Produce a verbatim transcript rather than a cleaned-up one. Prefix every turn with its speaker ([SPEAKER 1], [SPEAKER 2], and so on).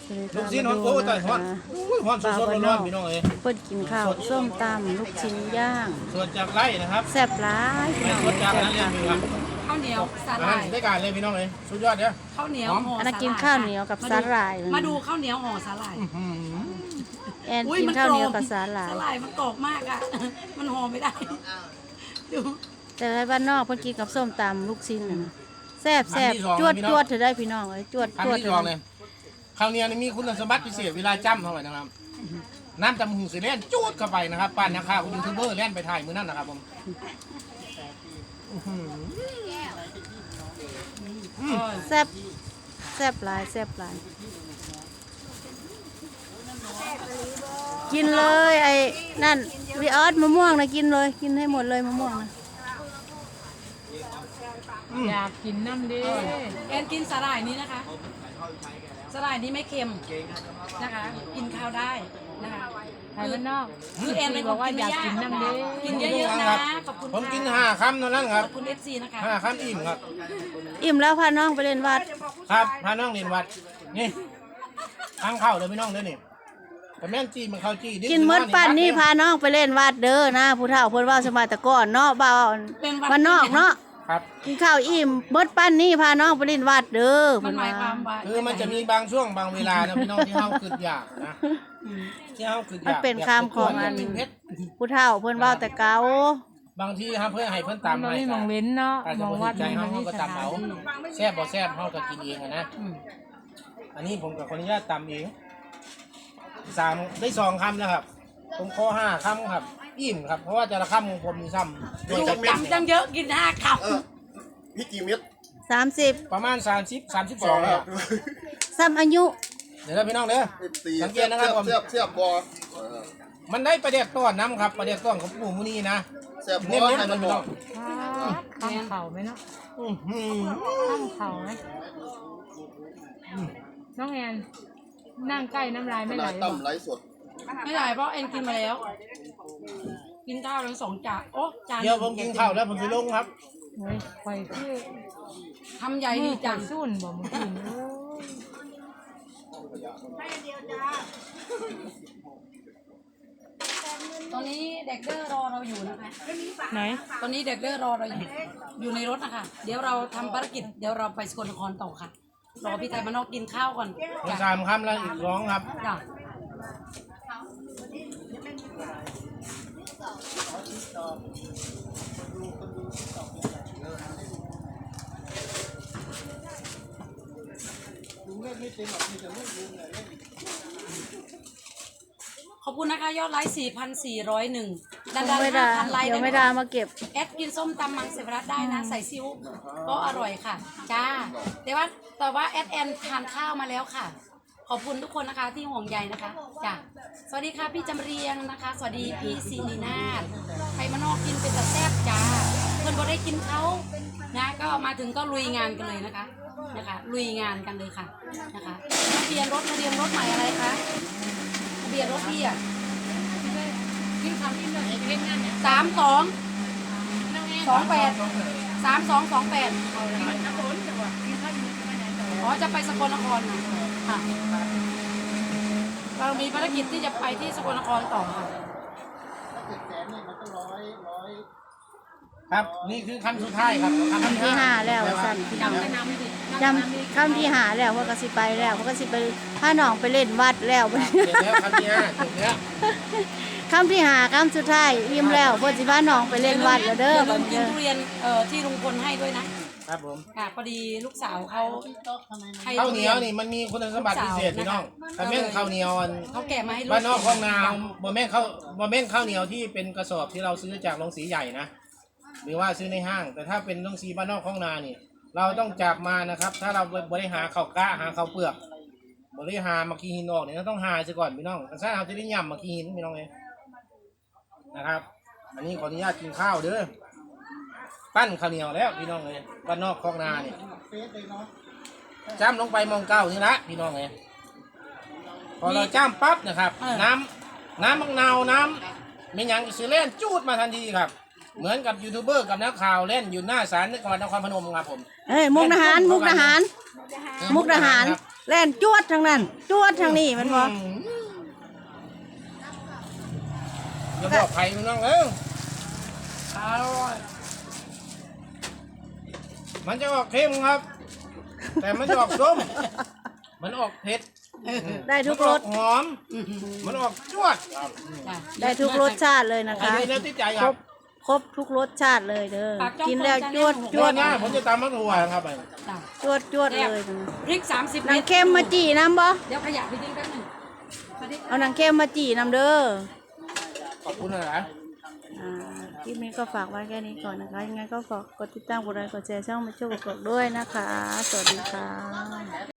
[SPEAKER 1] ลูกชิ้นฮอนโอ้ยตายฮอนฮอนสดๆร้อนๆพี่น้องเอ้ย
[SPEAKER 2] เปิดกินข้าวส้มตำลูกชิ้นย่าง
[SPEAKER 1] ส่วนจากไร่นะครับ
[SPEAKER 2] แซ่บร้ายพี่น้อง
[SPEAKER 1] ส่วนจากนั้นเรียนมีครับ
[SPEAKER 3] ข้าวเหนียวสาห
[SPEAKER 1] อา
[SPEAKER 3] ร่า
[SPEAKER 1] หาร
[SPEAKER 3] ย
[SPEAKER 1] ได้การเลยพี่น้องเอ้ยสุดยอดเนี่ย
[SPEAKER 3] ข้าวเหนียวห่อ
[SPEAKER 2] อันนั้นกินข้าวเหนียวกับสาหร่าย
[SPEAKER 3] มาดูข้าวเหนียวห่อสาหร่าย
[SPEAKER 2] แอนกินข้าวเหนียวกับสาหร่าย
[SPEAKER 3] สาหร่ายมันกรอบมากอ่ะ มันห่อไม่ได้ดู
[SPEAKER 2] แต่ในบ้านนอกเพิ่นกินกับส้มตำลูกชิ้นน่ะนะแซ่บแซ่บจวดจวดเธอได้พี่น้องเอ้ยจวด
[SPEAKER 1] ครั้
[SPEAKER 2] จ
[SPEAKER 1] ง
[SPEAKER 2] วด
[SPEAKER 1] ที่สองเลยข้าวเหนียวนี่มีคุณสมบัติพิเศษเวลาจ้ำเท่าไหร่นะครับน้ำจำหูสีเล่นจูดเข้าไปนะครับป้านนักข่าวยูทูบเบอร์เล่นไปถ่ายมือนั่นนะครับผม
[SPEAKER 2] แซ่บแซ่บหลายแซ่บหลายกินเลยไอ้นั่นวิออสมะม่วงนะกินเลยกินให้หมดเลยมะม่วงนะ
[SPEAKER 4] อยากกินน้ำดิ
[SPEAKER 3] แอนกินสาหร่ายนี้นะคะสาหร่ายนี้ไม่เค็มนะคะ กินข้าวได้นะคะ
[SPEAKER 4] ไทยบ้านนอก
[SPEAKER 3] คือแอนเป็นค
[SPEAKER 4] บอก
[SPEAKER 3] น
[SPEAKER 4] ว่า
[SPEAKER 3] กิน
[SPEAKER 4] อ
[SPEAKER 3] ไม่
[SPEAKER 4] ยาก
[SPEAKER 3] ยาก
[SPEAKER 4] กินน้ำดิ
[SPEAKER 3] กินเยอะๆนะขอบคุณ
[SPEAKER 1] ผมกิน
[SPEAKER 3] ค่ะ
[SPEAKER 1] ห้าคำเท่านั้นครับ
[SPEAKER 3] ขอบคุณเอฟซีนะคะ
[SPEAKER 1] ห้าคำอิ่มครับ
[SPEAKER 2] อิ่มแล้วพาน้องไปเล่นวัด
[SPEAKER 1] ครับพาน้องเรียนวัดนี่ทางเข้าเลยพี่น้องเด้อนี่แต่แม่นจีมันเข้าจี
[SPEAKER 2] กินมดปั่นนี่พาน้องไปเล่นวัดเด้อนะผู้เฒ่าเพิ่นว่าสมัยแต่ก่อนเนาะบ่าวบ้านนอกเนาะ
[SPEAKER 1] ครับ
[SPEAKER 2] กินข้าวอิ่มมดปั่นนี่พาน้องไปเล่นวัดเด้อ
[SPEAKER 3] มันหมายความว่า
[SPEAKER 1] คือมันจะมีบางช่วงบางเวลานะพี่น้องที่เฮาคิดอยากนะที่เฮาคิดอ
[SPEAKER 2] มัน
[SPEAKER 1] ยาก
[SPEAKER 2] เป็นคำของอัน
[SPEAKER 1] กินเพชร
[SPEAKER 2] ผู้เฒ่าเพิ่นว่าแต่เก่า
[SPEAKER 1] บางทีครับเพื่อให้เพิ่น
[SPEAKER 4] มัน
[SPEAKER 1] ตาม
[SPEAKER 4] ไม่
[SPEAKER 1] ให้
[SPEAKER 4] มองเว้นเนาะ
[SPEAKER 1] อาจ
[SPEAKER 4] ม
[SPEAKER 1] จะ
[SPEAKER 4] อง
[SPEAKER 1] บ่
[SPEAKER 4] วั
[SPEAKER 1] ถู
[SPEAKER 4] ด
[SPEAKER 1] กใจ
[SPEAKER 4] มัน
[SPEAKER 1] เฮา
[SPEAKER 4] ไม่
[SPEAKER 1] เฮาก็
[SPEAKER 4] ส
[SPEAKER 1] ตาม
[SPEAKER 4] ถาน
[SPEAKER 1] เอา
[SPEAKER 4] ที่
[SPEAKER 1] แซ่บบ่แซ่บเฮาก็กินเองอะนะอันนี้ผมกับขออนุญาตตำเองสามได้สองคำนะครับผมขอห้าคำครับอิ่มครับเพราะว่าแต่ละคำของผมมีซ้ำโดย
[SPEAKER 3] ดู
[SPEAKER 1] จะเป็น
[SPEAKER 3] จำจังเยอะกินห้าค
[SPEAKER 5] เออพี่กี่เม็ด
[SPEAKER 2] สามสิบ
[SPEAKER 1] ประมาณสามสิบ สามสิบสองครับ
[SPEAKER 2] ซ้ำอายุ
[SPEAKER 1] เดี๋ยวนะพี่น้องเด้อ
[SPEAKER 5] ตี
[SPEAKER 1] สังเกตนะครับผม
[SPEAKER 5] เสียบเสียบบอเออ
[SPEAKER 1] มันได้ประเด็กต้อนน้ำครับประเด็กต้อนของปู่มุนีนะ
[SPEAKER 5] เสียบบ
[SPEAKER 1] เน้
[SPEAKER 5] อน ให้
[SPEAKER 1] ๆ
[SPEAKER 5] มัน
[SPEAKER 1] พี่
[SPEAKER 5] บ
[SPEAKER 1] น้
[SPEAKER 5] อ
[SPEAKER 1] อก ง
[SPEAKER 4] ตั้งเข่าไหมเนาะ
[SPEAKER 1] อื้อหือ
[SPEAKER 4] ตั้งเข่าไหมน้องแอนนั่งใกล้น้ำลายไม่ไหล
[SPEAKER 5] ลาย
[SPEAKER 4] หรอ
[SPEAKER 5] ต่ำไร้สด
[SPEAKER 3] ำไม่ได้เพราะแอนกินมาแล้ว กินข้าวทั้งสองจานโอ้จาน
[SPEAKER 1] เดี๋ยวผมกินข้าวแล้วผมจะลงครับ
[SPEAKER 4] เฮ้ยไฟคือ
[SPEAKER 3] ทำใหญ่
[SPEAKER 4] มื
[SPEAKER 3] ดี
[SPEAKER 4] อ
[SPEAKER 3] จั
[SPEAKER 4] จั
[SPEAKER 3] ง
[SPEAKER 4] งสุ่นบอกมึงกินโอ้ย
[SPEAKER 3] ตอนนี้เด็กเดอร์รอเราอยู่นะคะ
[SPEAKER 4] ไหน
[SPEAKER 3] ตอนนี้เด็กเดอร์รอเราอยู่ อยู่ในรถนะคะ เดี๋ยวเราทำภารกิจ เดี๋ยวเราไปสกลนครต่อค่ะ รอพี่ไทยมานอกกินข้าวก่อน
[SPEAKER 1] มี
[SPEAKER 3] จ้ะ
[SPEAKER 1] สามคำแล้วอีกสองครับ
[SPEAKER 3] จ้ะ ขอบคุณนะคะ ยอดไลค์ สี่พันสี่ร้อยเอ็ด ดันดัน
[SPEAKER 2] ไม่
[SPEAKER 3] ห้า
[SPEAKER 2] ได้
[SPEAKER 3] พันไลค์
[SPEAKER 2] เดี๋ยว
[SPEAKER 3] ได้
[SPEAKER 2] ไม่
[SPEAKER 3] ไหม
[SPEAKER 2] ได้
[SPEAKER 3] คะ
[SPEAKER 2] มาเก็บ
[SPEAKER 3] แอดกินส้มตำมังสวิรัตได้นะ ใส่ซิวก็อร่อยค่ะ จ้า แต่ว่าแต่ว่าแอดแอนทานข้าวมาแล้วค่ะ ขอบคุณทุกคนนะคะที่ห่วงใยนะคะ จ้า สวัสดีค่ะพี่จำเรียงนะคะ สวัสดีพี่สินีนาถใครมานอกกินเป็นตะแซ่บจ้า เพื่อนก็ได้กินเขานะก็มาถึงก็ลุยงานกันเลยนะคะ นะคะ ลุยงานกันเลยค่ะ นะคะทะเบียนรถทะเบียนรถใหม่อะไรคะทะเบียนรถพี่อะสามสองสองแปดสามสองสองแปดอ๋อจะไปสกลนครนะค่ะเรามีภารกิจที่จะไปที่สกลนครต่อค่ะ
[SPEAKER 1] ครับนี่คือคำสุดท้ายครับ
[SPEAKER 2] คำที่ห้าแล้วสั่นพี่น้องจำคำที่ห้าแล้วว่าก็สิไปแล้วว่าก็สิไปพาน้องไปเล่นวัดแล้ว
[SPEAKER 1] เดี๋ยวแล้วคำที่ห้าถึงแล้ว
[SPEAKER 2] คำที่ห้าคำสุดท้ายอิ่มแล้วเพิ่นสิพาน้องไปเล่นวัดแล้วเด้อ
[SPEAKER 3] อย่าลื
[SPEAKER 2] บัด
[SPEAKER 3] ม
[SPEAKER 2] นี้
[SPEAKER 3] กิน
[SPEAKER 2] เด้อ
[SPEAKER 3] ทุเรียนเอ่อที่ลุงพลให้ด้วยนะครับ
[SPEAKER 1] ผม
[SPEAKER 3] ค่ะพอดีลูกสาวเขาให้
[SPEAKER 1] ข้าว
[SPEAKER 3] ทุ
[SPEAKER 1] เหนี
[SPEAKER 3] เรี
[SPEAKER 1] ย
[SPEAKER 3] ยว
[SPEAKER 1] นี่มันมีคุณสมบัติพิเศษพี่น้องแต่แม่นข้าวเหนียวอัน
[SPEAKER 3] เขาแกะมาให้ลูก
[SPEAKER 1] บ้านนอกคลองนาบ่แม่นข้าวบ่แม่นข้าวเหนียวที่เป็นกระสอบที่เราซื้อจากโรงสีใหญ่นะหรือว่าซื้อในห้าง แต่ถ้าเป็นโรงสีบ้านนอกคลองนานี่ เราต้องจับมานะครับ ถ้าเราบริหารข้าวกะหาข้าวเปลือกบริหารมากีหินออกเนี่ยเราต้องหาซะก่อนพี่น้องถ้าเราจะได้ย่ำมากีหินพี่น้องเองนะครับ อันนี้ขออนุญาตกินข้าวเด้อปั้นข้าวเหนียวแล้วพี่น้องเลยบ้านนอกคลองนาเนี่ยจ้ำลงไปมองเก้านี่ละพี่น้องเลยพอเราจ้ำปั๊บนะครับ น้ำน้ำมังนาวน้ำมีหยังสิเล่นจูดมาทันทีครับ เหมือนกับยูทูบเบอร์กับนักข่าวเล่นอยู่หน้าศาลจังหวัดนครพนมครับผม
[SPEAKER 2] เอ้ยมุกดาหารมุกดาหาร มุกดาหารแล่นจวดทางนั้นจวดทางนี้มันบ่
[SPEAKER 1] อย่าบอกใครมันน้องเอ้ยอร่อยมันจะออกเค็มครับ แต่มันจะออกส้ม มันออกเผ็ด
[SPEAKER 2] ได้ทุกรส
[SPEAKER 1] มันออหอม มันออกจวด
[SPEAKER 3] จ้ะ
[SPEAKER 2] ได้ทุกรสชาติเลยนะ
[SPEAKER 1] อัน
[SPEAKER 2] คะ
[SPEAKER 1] นี้แล้วที่ใจค
[SPEAKER 2] คร
[SPEAKER 1] รั
[SPEAKER 2] บบ ครบทุกรสชาติเลยเด้อ
[SPEAKER 3] ปากจ้อง
[SPEAKER 2] กินแล้ว
[SPEAKER 3] คน
[SPEAKER 2] จวด
[SPEAKER 3] จะ
[SPEAKER 2] จ
[SPEAKER 1] จว
[SPEAKER 2] ว
[SPEAKER 1] ด
[SPEAKER 2] ด
[SPEAKER 1] หน้าผมจะตำมะกรูดครับไป
[SPEAKER 3] จ้ะ
[SPEAKER 2] จวดจวดเลยนะ
[SPEAKER 3] พริกสามสิบ
[SPEAKER 2] หนังเค็มมาจี่น้ำบ่
[SPEAKER 3] เดี๋ยวขยะไปทิ้งแป๊บหนึงสวัสดีค่ะ
[SPEAKER 2] เอาหนังเค็มมาจี่น้ำเด้อ
[SPEAKER 1] ขอบคุณนะ
[SPEAKER 2] อ่าคลิปนี้ก็ฝากไว้แค่นี้ก่อนนะคะ ยังไงก็ฝากกดติดตามกดไลค์กดแชร์ช่องมาช่วยกดด้วยนะคะ สวัสดีค่ะ